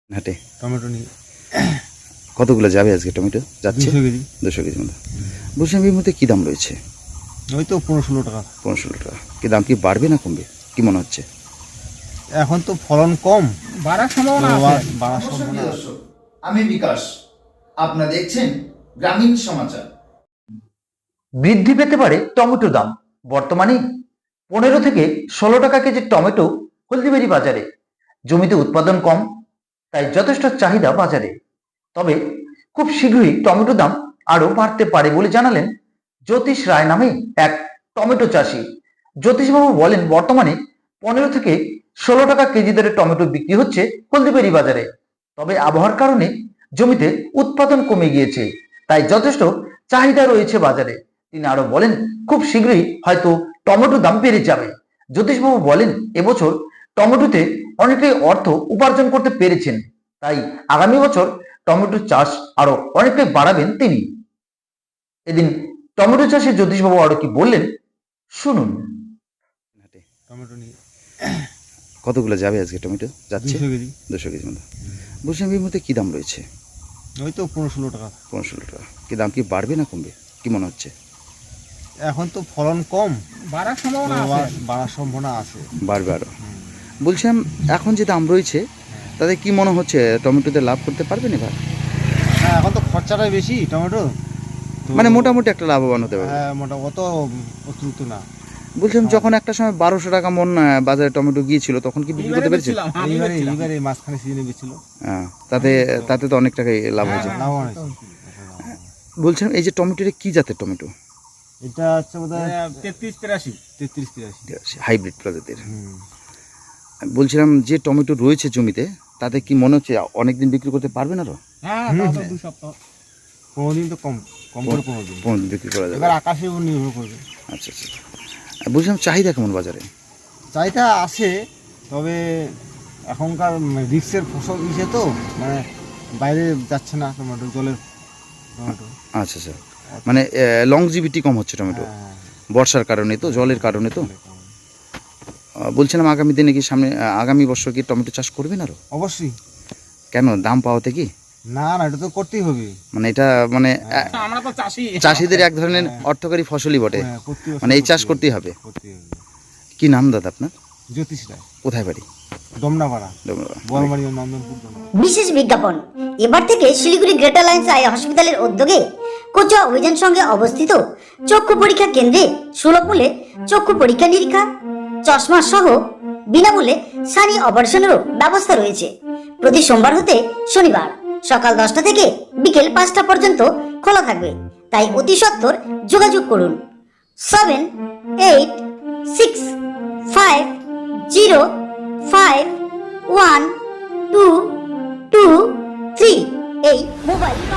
হাটে টমেটো নিয়ে কতগুলো যাবে আজকে? টমেটো যাচ্ছে 200 কেজি। 200 কেজি মতো। বলছিলাম এর মধ্যে কী দাম রয়েছে? ওই তো 15-16 টাকা। 15-16 টাকা। কি দাম কি বাড়বে না কমবে কি মনে হচ্ছে? এখন তো ফলন কম, বাড়ার সম্ভাবনা তো আছে। বাড়ার সম্ভাবনা আছে। দর্শক, আমি বিকাশ, আপনারা দেখছেন গ্রামীণ সমাচার। বৃদ্ধি পেতে পারে টমেটো দাম। বর্তমানে 15 থেকে 16 টাকা কেজি টমেটো হলদিবাড়ি বাজারে। জমিতে উৎপাদন কম, তাই যথেষ্ট চাহিদা বাজারে। তবে খুব শীঘ্রই টমেটো দাম আরো বাড়তে পারে বলে জানালেন জ্যোতিষ রায় নামে এক টমেটো চাষি। জ্যোতিষবাবু বলেন, বর্তমানে 15 থেকে 16 টাকা কেজি দরে টমেটো বিক্রি হচ্ছে হলদিবাড়ি বাজারে। তবে আবহাওয়ার কারণে জমিতে উৎপাদন কমে গিয়েছে, তাই যথেষ্ট চাহিদা রয়েছে বাজারে। তিনি আরো বলেন, খুব শীঘ্রই হয়তো টমেটো দাম বেড়ে যাবে। জ্যোতিষবাবু বলেন, এবছর টমেটোতে অনেকেই অর্থ উপার্জন করতে পেরেছেন, তাই আগামী বছর টমেটো চাষ আরো অনেকটাই বাড়াবেন তিনি। এদিন টমেটো চাষে জ্যোতিষবাবু আরো কি বললেন শুনুন। হাটে টমেটো নিয়ে কতগুলো যাবে আজকে? টমেটো যাচ্ছে 200 কেজি। 200 কেজি মতো। বলছিলাম এর মধ্যে কী দাম রয়েছে? ওই তো 15-16 টাকা। 15-16 টাকা। কি দাম কি বাড়বে না কমবে কি মনে হচ্ছে? এখন তো ফলন কম, বাড়ার তো সম্ভাবনা আছে। বাড়ার সম্ভাবনা আছে। বাড়বে আরও। বলছিলাম এখন যে দাম রয়েছে তাতে কি মনে হচ্ছে টমেটোতে লাভ করতে পারবেন এবার? হ্যাঁ, এখন তো খরচাটাই বেশি টমেটো, তো মানে মোটামুটি একটা লাভবান হতে পারবে। হ্যাঁ, অত অতিরিক্ত না। বলছিলাম যখন একটা সময় 1200 টাকা মন বাজারে টমেটো গিয়েছিল তখন কি বিক্রি করতে পেরেছে? এইবারে মাঝখানে সিজনে বেছিল। হ্যাঁ, তাতে তো অনেক টাকাই লাভ হয়েছে। লাভবান হয়েছে। বলছিলাম এই যে টমেটোটা কি জাতের টমেটো? এটা হচ্ছে বোধহয় 33-83। 33-83। হাইব্রিড প্রজাতির। বলছিলাম যে টমেটো রয়েছে জমিতে তাতে কি মনে হচ্ছে অনেকদিন বিক্রি করতে পারবেন আরো? হ্যাঁ, তাও তো 2 সপ্তাহ। কোনোদিন তো কম করে 15 দিন। 15 দিন বিক্রি করা যাবে। এবার আকাশের উপর নির্ভর করবে। আচ্ছা আচ্ছা। বলছিলাম চাহিদা কেমন বাজারে? চাহিদা আছে, তবে এখনকার রিক্সের ফসল দিছে তো, মানে বাইরে যাচ্ছে না টমেটো, জলের টমেটো। আচ্ছা আচ্ছা, মানে লংজিভিটি কম হচ্ছে টমেটো হ্যাঁ, বর্ষার কারণে তো, জলের কারণে তো। বলছিলাম আগামী দিনে কি আগামী বছর কি টমেটো চাষ করবেন আরো? অবশ্যই। কেন দাম পাওয়াতে কি? না, এটা তো করতেই হবে। মানে এটা মানে আমরা তো চাষি। চাষিদের এক ধরনের অর্থকারী ফসলই বটে। হ্যাঁ, প্রতি বছর মানে এই চাষ করতেই হবে। করতেই হবে। কি নাম দাদা আপনার? জ্যোতিষ রায়, কোথায় বাড়ি? দমনাপাড়া, ডোমরা। বড়মারি, নন্দনপুর, দমনা। বিশেষ বিজ্ঞাপন। এবার থেকে শিলিগুড়ি গ্রেটার লাইন্স আই হসপিটালের উদ্যোগে কোচা অভিযান সঙ্গে অবস্থিত চক্ষু পরীক্ষা কেন্দ্রে সুলভ মূল্যে চক্ষু পরীক্ষা নিরীক্ষা, চশমা সহ বিনামূল্যে সানি অপারেশনেরও ব্যবস্থা রয়েছে। প্রতি সোমবার হতে শনিবার সকাল 10টা থেকে বিকেল 5টা পর্যন্ত খোলা থাকবে, তাই অতি সত্বর যোগাযোগ করুন 7865051223 এই মোবাইল